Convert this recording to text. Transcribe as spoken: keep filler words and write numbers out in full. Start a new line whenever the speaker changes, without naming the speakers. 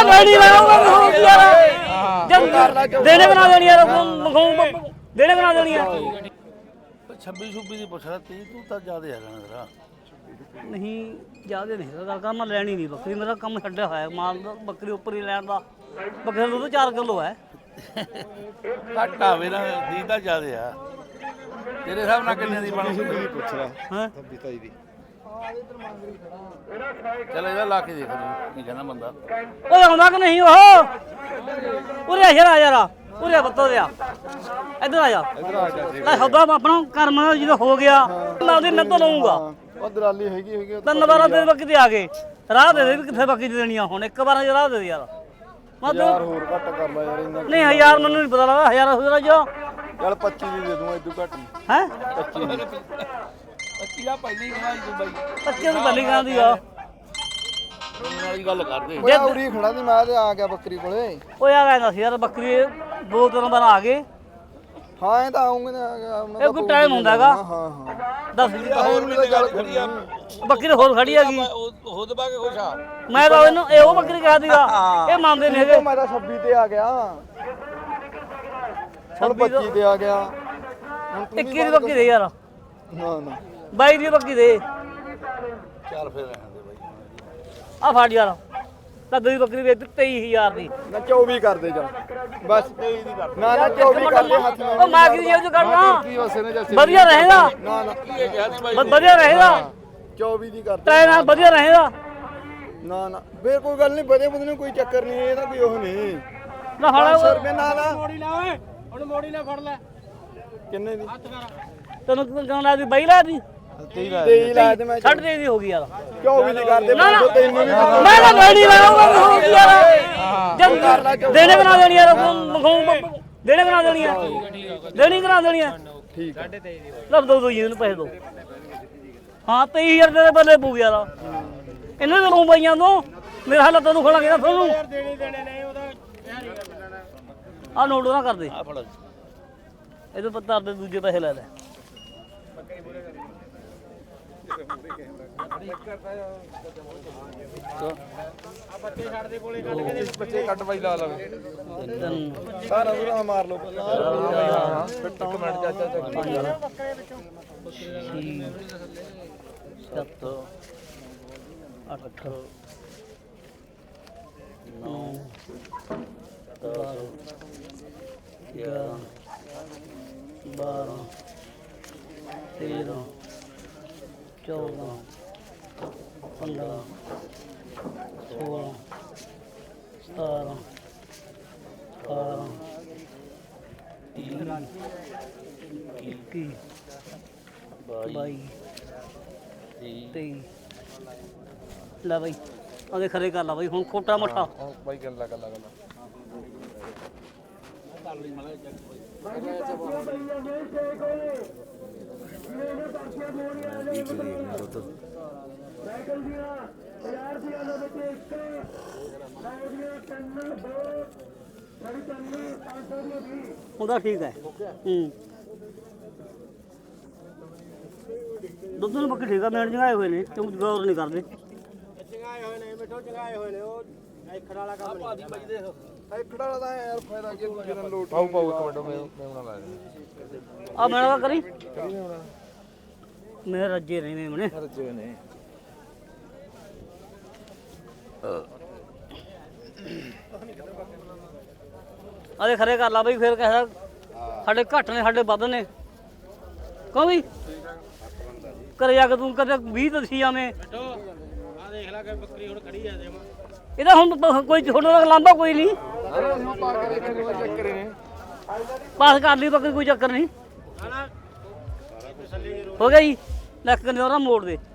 ਤਾਂ ਲੈਣੀ ਲਾਉਂਗਾ ਯਾਰ ਦੇਣੇ ਬਣਾ ਦੇਣੀ ਯਾਰ ਦੇਣੇ ਬਣਾ ਦੇਣੀ ਆ
ਛੱਬੀ ਛੁੱਬੀ ਦੀ ਪੁੱਛ ਰਿਹਾ ਤੀ ਤੂੰ ਤਾਂ ਜ਼ਿਆਦਾ ਹੈਗਾ ਨਾ ਤੇਰਾ
ਨਹੀਂ ਜ਼ਿਆਦਾ ਨਹੀਂ ਗੱਲ ਕਰ ਮੈਂ ਲੈਣੀ ਨਹੀਂ ਬੱਕਰੀ ਮੇਰਾ ਕੰਮ ਛੱਡਿਆ ਹੋਇਆ ਮਾਲ ਦਾ ਬੱਕਰੀ ਉੱਪਰ ਹੀ ਲੈਣ ਦਾ ਬੱਕਰੀ ਦਾ ਦੁੱਧ ਚਾਰ ਕਿਲੋ ਹੈ
ਘੱਟ ਆਵੇ ਨਾ ਦੀ ਤਾਂ ਜ਼ਿਆਦਾ ਆ ਤੇਰੇ ਹਿਸਾਬ ਨਾਲ ਕਿੰਨੇ ਦੀ ਬਣੂ
ਪੁੱਛ ਰਿਹਾ
ਹਾਂ
ਤਾਈ ਦੀ
ਚੱਲ ਇਹਦਾ ਲਾ ਕੇ ਦੇਖ ਲਈ ਕੀ ਕਹਿੰਦਾ ਬੰਦਾ
ਉਹ ਆਉਂਦਾ ਕਿ ਨਹੀਂ ਉਹ ਉਰੇ ਆ ਯਾਰ ਯਾਰ ਉਰੇ ਬੱਤੋ ਦੇ ਆ ਇੱਧਰ ਆ ਜਾ
ਇਧਰ ਆ ਜਾ
ਲੈ ਸੌਦਾ ਆਪਣਾ ਕਰਮ ਦਾ ਜਦੋਂ ਹੋ ਗਿਆ ਮੈਂ ਉਹਦੀ ਮਿਹਨਤ ਲਊਂਗਾ
ਉਹ ਦਲਾਲੀ ਹੈਗੀ ਹੈਗੀ
ਤਿੰਨ ਵਾਰਾਂ ਦੇ ਬੱਕੀ ਤੇ ਆ ਗਏ ਰਾਹ ਦੇ ਦੇ ਵੀ ਕਿੱਥੇ ਬੱਕੀ ਦੇਣੀ ਆ ਹੁਣ ਇੱਕ ਵਾਰਾਂ ਰਾਹ ਦੇ ਦੇ ਯਾਰ ਮੈਂ
ਯਾਰ
ਤੂੰ
ਹੋਰ ਘੱਟ ਕਰ ਲੈ ਯਾਰ ਇੰਨਾ
ਨਹੀਂ ਹਜ਼ਾਰ ਮੈਨੂੰ ਨਹੀਂ ਪਤਾ ਲੱਗਦਾ ਹਜ਼ਾਰ ਹੋ ਜੋ
ਚੱਲ ਪੱਚੀ ਦੀ ਦੇ ਦੂੰਗਾ ਇਦੋਂ ਘੱਟ ਨਹੀਂ
ਹੈ
ਪੱਚੀ ਦੀ
ਪੱਚੀ ਦਾ ਪਹਿਲੀ ਕਹਾਈ ਤੂੰ ਬਾਈ
ਪੱਚੀ ਨੂੰ ਪਹਿਲੀ ਕਹਿੰਦੀ ਆ
ਵਾਲੀ ਗੱਲ ਕਰਦੇ
ਓਏ ਉਰੀ ਖੜਾ ਦੀ ਮੈਂ ਤੇ ਆ ਗਿਆ ਬੱਕਰੀ ਕੋਲੇ
ਓਏ ਆ ਗਿਆ ਸੀ ਯਾਰ ਬੱਕਰੀ ਦੋ ਤਿੰਨ ਵਾਰ ਆ ਗਏ
ਹਾਂ ਇਹ ਤਾਂ ਆਉਂਗੇ ਨਾ ਆ ਗਿਆ ਉਹਨਾਂ
ਇਹ ਕੋਈ ਟਾਈਮ ਹੁੰਦਾ ਹੈਗਾ
ਹਾਂ ਹਾਂ
ਦੱਸ ਵੀ ਤਾਂ
ਹੋਰ ਵੀ ਗੱਲ ਖੜੀ ਆ
ਬੱਕਰੀ ਤਾਂ ਹੋਰ ਖੜੀ ਹੈਗੀ
ਹੁਦ ਪਾ ਕੇ ਖੁਸ਼ ਆ
ਮੈਂ ਤਾਂ ਇਹਨੂੰ ਇਹ ਉਹ ਬੱਕਰੀ ਕਹਿ ਦੀਗਾ ਇਹ ਮੰਨਦੇ ਨਹੀਂ ਹੈਗੇ
ਮੈਂ ਤਾਂ ਛੱਬੀ ਤੇ ਆ ਗਿਆ ਹੁਣ ਪੱਚੀ ਤੇ ਆ ਗਿਆ ਹੁਣ ਤੂੰ
ਇੱਕੀ ਦੀ ਬੱਕਰੀ ਦੇ ਯਾਰ
ਨਾ ਨਾ
ਬਾਈ ਦੀ ਬੱਕਰੀ ਦੇ
ਚੱਲ ਫਿਰ ਰਹਿਣ ਦੇ ਬਾਈ
ਆ ਫੜ ਯਾਰ ਤਾਂ ਦੂਜੀ ਬੱਕਰੀ ਵੇਚ ਤੇਈ ਹਜ਼ਾਰ ਦੀ
ਨਾ ਚੌਵੀ ਕਰ ਦੇ ਜਾ ਬਸ ਨਾ ਨਾ ਚੌਵੀ ਕਰ ਦੇ ਹੱਥ ਨਾਲ
ਉਹ ਮੈਂ ਕੀ ਜੇ ਉਹ ਕਰਨਾ
ਕੀ ਉਸੇ ਨੇ ਜੈਸੇ
ਵਧੀਆ ਰਹੇਗਾ
ਨਾ ਨਾ
ਬ- ਵਧੀਆ ਰਹੇਗਾ
ਚੌਵੀ ਦੀ ਕਰ ਦੇ
ਤੇਰੇ ਨਾਲ ਵਧੀਆ ਰਹੇਗਾ
ਨਾ ਨਾ ਫੇਰ ਕੋਈ ਗੱਲ ਨਹੀਂ ਬਦੇ ਬਦੇ ਨੂੰ ਕੋਈ ਚੱਕਰ ਨਹੀਂ ਇਹਦਾ ਕੋਈ ਉਹ ਨਹੀਂ
ਨਾ
ਪੰਜ ਸੌ
ਫੜ
ਰੁਪਏ ਨਾਲ ਆ
ਮੋੜੀ ਲਾ ਓਏ ਹੁਣ ਮੋੜੀ ਨਾ ਫੜ ਲੈ
ਕਿੰਨੇ ਦੀ
ਤੈਨੂੰ ਕਿਉਂ ਕਹਿੰਦਾ ਦੀ ਬਾਈ ਲਾ ਦੀ
ਤੇਈ ਲਾ ਤੇ ਮੈਂ
ਛੱਡ ਦੇ ਦੀ ਹੋ ਗਈ ਯਾਰ
ਚੌਵੀ ਦੀ ਕਰ ਦੇ
ਨਾ, ਨਾ।
ਪੰਜ ਸੌ ਤੈਨੂੰ ਵੀ
ਮੈਂ ਤਾਂ ਲੈਣੀ ਲਾਉਂਗਾ ਯਾਰ ਜਦ ਦੇਣੇ ਬਣਾ ਦੇਣੀ ਯਾਰ ਦੇਣੇ ਬਣਾ ਦੇਣੀ ਆ ਦੇਣੀ ਕਰਾ ਦੇਣੀ ਆ
ਠੀਕ ਹੈ
ਲੱਭ ਦੋ ਦੋ ਜੀ ਇਹਨੂੰ ਪੈਸੇ ਦੋ ਹਾਂ ਤੇਈ ਹਜ਼ਾਰ ਦੇ ਬੱਲੇ ਪੂ ਯਾਰ ਇਹਨਾਂ ਦੇ ਲੂੰ ਪਈਆਂ ਤੋਂ ਮੇਰੇ ਹਾਲ ਤੈਨੂੰ ਖੋਲਾਂਗੇ ਨਾ ਤੁਹਾਨੂੰ
ਦੇਣੀ ਦੇਣੇ ਨਹੀਂ ਉਹਦਾ
ਆ ਨੋਟ ਨਾ ਕਰ ਦੇ
ਆ ਫੜ
ਇਹਦੇ ਪੱਤਰ ਦੇ ਦੂਜੇ ਪੈਸੇ ਲੈ ਲੈ
ਬੱਚੇ ਛੱਡ ਦੇ ਕੋਲੇ ਕੱਢ ਕੇ
ਬੱਚੇ ਕੱਟ ਬਾਈ ਲਾ ਲਵੇ
ਤਿੰਨ
ਸਾਰਾ ਪੂਰਾ ਮਾਰ ਲਓ ਹਾਂ ਇੱਕ ਮਿੰਟ ਚਾਚਾ ਚੱਕ
ਸੱਤ ਅੱਠ ਨੌ ਦਸ ਗਿਆਰਾਂ ਬਾਰਾਂ ਤੇਰਾਂ ਚੌਦਾਂ ਪੰਦਰਾਂ ਸੋਲਾਂ ਸਤਾਰਾਂ ਅਠਾਰਾਂ ਇੱਕੀ ਬਾਈ ਤੇਈ ਲੈ ਬਾਈ ਉਹਦੇ ਖਰੇ ਕਰ ਲਾ ਬਾਈ ਹੁਣ ਖੋਟਾ ਮੱਠਾ
ਬਾਈ ਗੱਲਾਂ ਗੱਲਾਂ ਗੱਲਾਂ
ਉਹਦਾ ਠੀਕ ਹੈ ਹੂੰ ਦੁੱਧ ਨੂੰ ਬੱਕੀ ਠੀਕ ਆ ਮੇਣ ਜਗਾਏ ਹੋਏ ਨੇ ਤੂੰ ਗੌਰ ਨਹੀਂ ਕਰਦੇ
ਚੰਗਾਏ ਹੋਏ ਨੇ ਮਿੱਠੋ ਚੰਗਾਏ ਹੋਏ ਨੇ ਉਹ ਐਖੜ ਵਾਲਾ ਕੰਮ ਨਹੀਂ
ਇਹ ਖੜਾ ਵਾਲਾ ਤਾਂ ਯਾਰ ਫਾਇਦਾ ਕੀ ਦੂਜੇ ਨਾਲ ਲੋਟ ਪਾਉ ਪਾਉ ਇੱਕ ਮਿੰਟ ਮੈਂ ਮੈਂ ਬਣਾ ਲਾ
ਆ ਮੇਰਾ ਕਰੀ
ਕਰੀ ਹੋਣਾ
ਮੇਰੇ ਰੱਜੇ ਨੇ ਮੇਮਣੇ
ਰੱਜੇ ਨੇ
ਆਦੇ ਖਰੇ ਕਰ ਲਾ ਬਈ ਫੇਰ ਕਹਿਆ ਸਾਡੇ ਘੱਟ ਨੇ ਸਾਡੇ ਵੱਧ ਨੇ ਕਹੋ ਵੀ ਘਰੇ ਜਾ ਕੇ ਤੂੰ ਕਦੇ ਵੀਹ ਦਸੀ ਜਾਵੇਂ
ਮਿੱਠੋ ਆ ਦੇਖ ਲੈ ਕਿ ਬੱਕਰੀ ਹੁਣ ਖੜੀ ਆ ਜਮਾ
ਇਹਦਾ ਹੁਣ ਪ- ਕੋਈ ਛੋਟਾ ਦਾ ਲਾਂਭਾ ਕੋਈ ਨਹੀਂ
ਹੁਣ ਪਾ ਕੇ ਦੇਖਣ ਦੇ ਚੱਕਰ ਨੇ
ਪਾਸ ਕਰ ਲਈ ਬੱਕਰੀ ਕੋਈ ਚੱਕਰ ਨਹੀਂ
ਹਣਾ
ਹੋ ਗਿਆ ਜੀ ਲੱਖ ਕੰਨੇ ਉਹਦਾ ਮੋੜ ਦੇ